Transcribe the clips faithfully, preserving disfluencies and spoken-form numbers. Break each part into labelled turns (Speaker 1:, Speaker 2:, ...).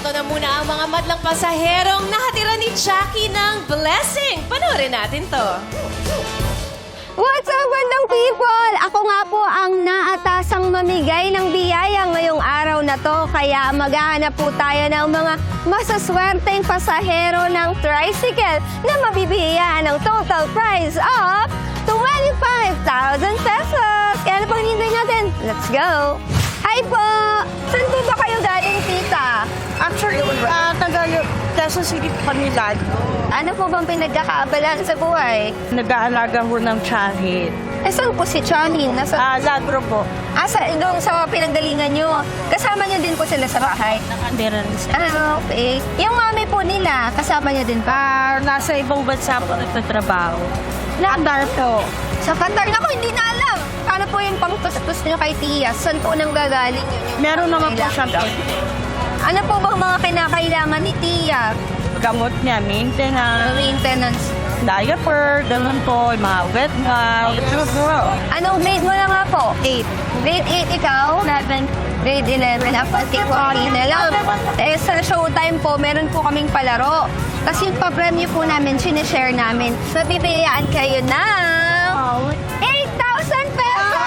Speaker 1: Ito na muna ang mga madlang pasaherong nakatira ni Jackie ng blessing. Panoorin natin to.
Speaker 2: What's up, bandang people? Ako nga po ang naatasang mamigay ng biyaya ngayong araw na to. Kaya maghahanap po tayo ng mga masaswerteng pasahero ng tricycle na mabibigyan ng total prize of twenty-five thousand pesos. Kaya ano pang hinihintay natin? Let's go! Hi po! Saan po ba kayo galing, tita?
Speaker 3: Actually, uh, taga Quezon City po kami lagi.
Speaker 2: Ano po bang pinagkakaabalan sa buhay?
Speaker 3: Nag-aalaga ho ng tiyahin.
Speaker 2: Eh, saan po si Chanin? Nasa...
Speaker 3: Ah, Lagro po.
Speaker 2: Asa, doon sa pinanggalingan nyo. Kasama nyo din po sila sa bahay.
Speaker 3: Nakandera rin siya.
Speaker 2: Ah, okay. Yung mami po nila, kasama nyo din pa.
Speaker 3: Ah, nasa ibang bansa po nagtatrabaho. Qatar po.
Speaker 2: Sa Qatar, ako hindi na alam. Paano po yung pangtustos nyo kay Tia? Saan po nang gagaling yun? Yung
Speaker 3: Meron naman po
Speaker 2: kailangan?
Speaker 3: siyang
Speaker 2: Ano po bang mga kinakailangan ni Tia?
Speaker 3: gamot niya, maintenance,
Speaker 2: Maintenance.
Speaker 3: diaper, ganun po, yung mga wet nga.
Speaker 2: Anong grade mo na nga po? eight. Grade eight ikaw? eleven. Grade eleven. Dapat ikaw na lang. Eh, sa showtime po, meron po kaming palaro. Kasi yung pa-premyo po namin, sinishare namin. So, bibigyan kayo ng eight thousand pesos!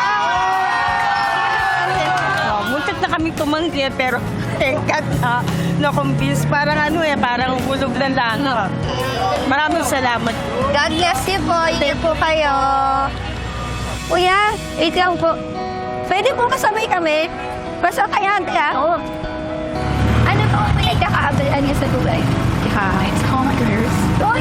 Speaker 3: Oh, muntik na kami tumanggi, pero tengkat na, na-convince. Parang ano eh, parang hulog lang lang. Maraming salamat.
Speaker 2: God bless you po. Ingat po kayo. Kuya, wait lang po. Pwede po kasabay kami? Basta kaya, kaya. Oo. Ano po ang pinagkakaabalan niya sa tulay?
Speaker 4: Hi, it's Conquerors.
Speaker 2: Oh,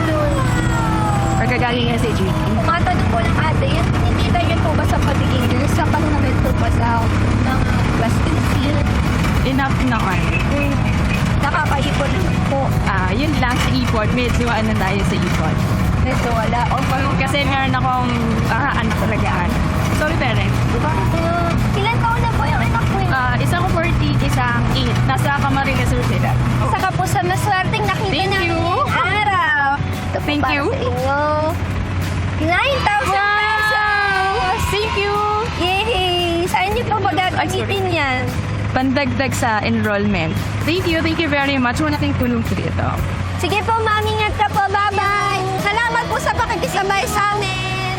Speaker 4: Or gagaling nga si G.
Speaker 2: Matanong po ng ate, yan, hindi tayo po ba sa pagiging nurse sa panunamit po ba sa ng Western Field?
Speaker 4: Enough naman.
Speaker 2: Nakakaipon po.
Speaker 4: Ah, yun lang sa e-port. Medyo ano tayo sa e-port.
Speaker 2: Medyo wala. O,
Speaker 4: Kasi meron akong ah, anak talagaan. Sorry, parents.
Speaker 2: ilan taon na po yung anak mo?
Speaker 4: Ah, isang forty, isang eight. Nasa Camarines Sur sila.
Speaker 2: Saka po sa maswerteng nakita
Speaker 4: Thank
Speaker 2: namin
Speaker 4: you.
Speaker 2: ngayong araw. Ito po
Speaker 4: Thank
Speaker 2: para
Speaker 4: you.
Speaker 2: sa inyo. nine thousand pesos!
Speaker 4: Thank you!
Speaker 2: Yay! Saan niyo po magagamitin yan?
Speaker 4: Pandagdag sa enrollment. Thank you, thank you very much. Wala nating tulong po dito.
Speaker 2: Sige po, mami, ingat ka po. Bye-bye! Salamat po sa pakikisabay sa amin.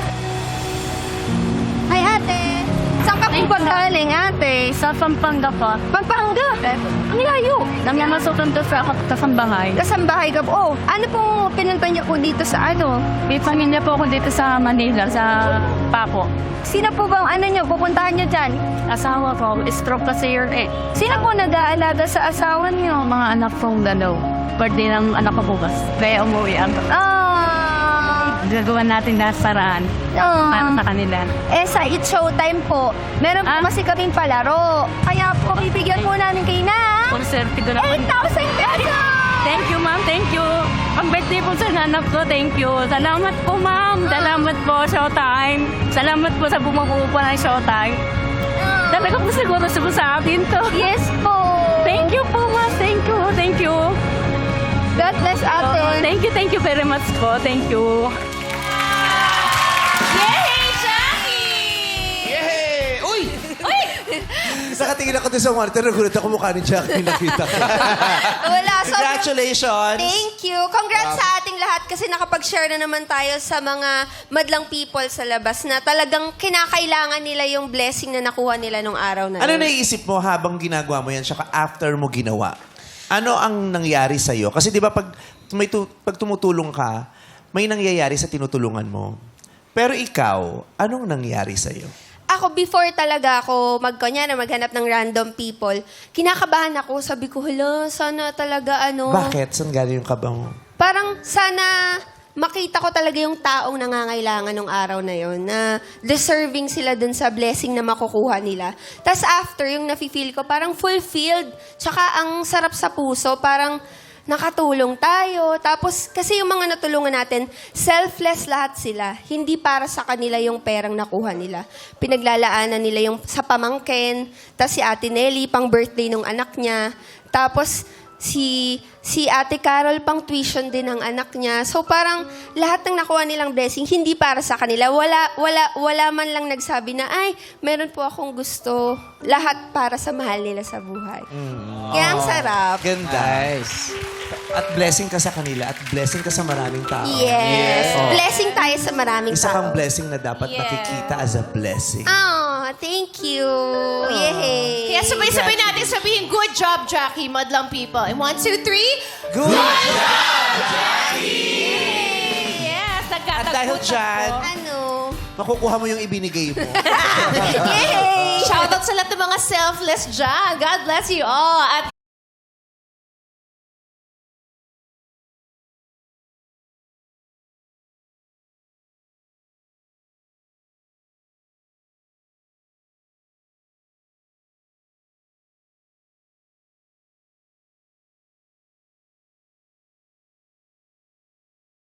Speaker 2: Hi, ate. Saan ka po ba galing, ate?
Speaker 4: Sa Pampanga po.
Speaker 2: Pampanga. Ang layo.
Speaker 4: Namamasukan to sa kasambahay.
Speaker 2: Kasambahay ka po. Oh, ano pong pinunta niyo po dito sa ano?
Speaker 4: May pamilya po ako dito sa Manila, sa Paco.
Speaker 2: Sino po bang ano niyo? Pupuntahan niyo dyan?
Speaker 4: Asawa ko, stroke kasi year eh.
Speaker 2: Sino po nag-aalaga sa asawa niyo?
Speaker 4: Mga anak kong dalaw. Birthday ng anak ko bukas. Kaya umuwi ako.
Speaker 2: Ah.
Speaker 4: Gagawa natin lahat paraan para
Speaker 2: Ah.
Speaker 4: sa kanila.
Speaker 2: Eh, sa It's Showtime po, meron po
Speaker 4: Ah?
Speaker 2: kasi kaming palaro. Kaya po, bibigyan po namin kayo na
Speaker 4: Konserte ko naman.
Speaker 2: eight thousand pesos!
Speaker 4: Thank you, ma'am. Thank you. Ang birthday po sa nanap ko. Thank you. Salamat po, ma'am. Salamat po, Showtime. Salamat po sa bumubuo po ng Showtime. Talaga po siguro sa akin to.
Speaker 2: Yes po.
Speaker 4: Thank you po, ma'am. Thank you. Thank you.
Speaker 2: God bless ate.
Speaker 4: Thank you, thank you very much po. Thank you.
Speaker 1: Yay, Jackie!
Speaker 5: Yay! Uy!
Speaker 1: Uy!
Speaker 5: Isa katingin ako doon sa monitor, nagulat ako mukha ni Jackie nakita ko.
Speaker 2: Wala. So,
Speaker 5: Congratulations!
Speaker 2: thank you. Congrats sa ating lahat kasi nakapag-share na naman tayo sa mga madlang people sa labas na talagang kinakailangan nila yung blessing na nakuha nila nung araw na
Speaker 5: Ano
Speaker 2: yun.
Speaker 5: naiisip mo habang ginagawa mo yan, saka after mo ginawa? Ano ang nangyari sa'yo? Kasi di ba pag, may tu- pag tumutulong ka, may nangyayari sa tinutulungan mo. Pero ikaw, anong nangyari sa'yo?
Speaker 2: Ako, before talaga ako magkanya na maghanap ng random people, kinakabahan ako. Sabi ko, hala, sana talaga ano.
Speaker 5: Bakit? Saan galing yung kaba mo?
Speaker 2: Parang sana makita ko talaga yung taong nangangailangan ng araw na yon na deserving sila dun sa blessing na makukuha nila. Tapos after, yung nafe-feel ko, parang fulfilled. Tsaka ang sarap sa puso, parang nakatulong tayo. Tapos, kasi yung mga natulungan natin, selfless lahat sila. Hindi para sa kanila yung perang nakuha nila. Pinaglalaanan nila yung sa pamangkin. Tapos si Ate Nelly, pang birthday nung anak niya. Tapos, si si Ate Carol pang tuition din ng anak niya. So parang lahat ng nakuha nilang blessing hindi para sa kanila. Wala wala wala man lang nagsabi na ay meron po akong gusto. Lahat para sa mahal nila sa buhay. Kaya ang sarap.
Speaker 5: Ganda.
Speaker 6: Nice.
Speaker 5: At blessing ka sa kanila at blessing ka sa maraming tao.
Speaker 2: Yes.
Speaker 5: Oh.
Speaker 2: Blessing tayo sa maraming
Speaker 5: Isa kang
Speaker 2: tao.
Speaker 5: blessing na dapat
Speaker 1: Yes.
Speaker 5: nakikita as a blessing.
Speaker 2: Oh, thank you. Yay.
Speaker 1: Kaya sabay-sabay natin sabihin, good job, Jackie, madlang people. And one, two, three.
Speaker 5: Good!
Speaker 1: Yes,
Speaker 5: At
Speaker 1: nagkatagpo.
Speaker 5: dahil dyan,
Speaker 2: Ano?
Speaker 5: makukuha mo yung ibinigay mo.
Speaker 2: Yay!
Speaker 1: Shoutout sa lahat ng mga selfless dyan. God bless you all. At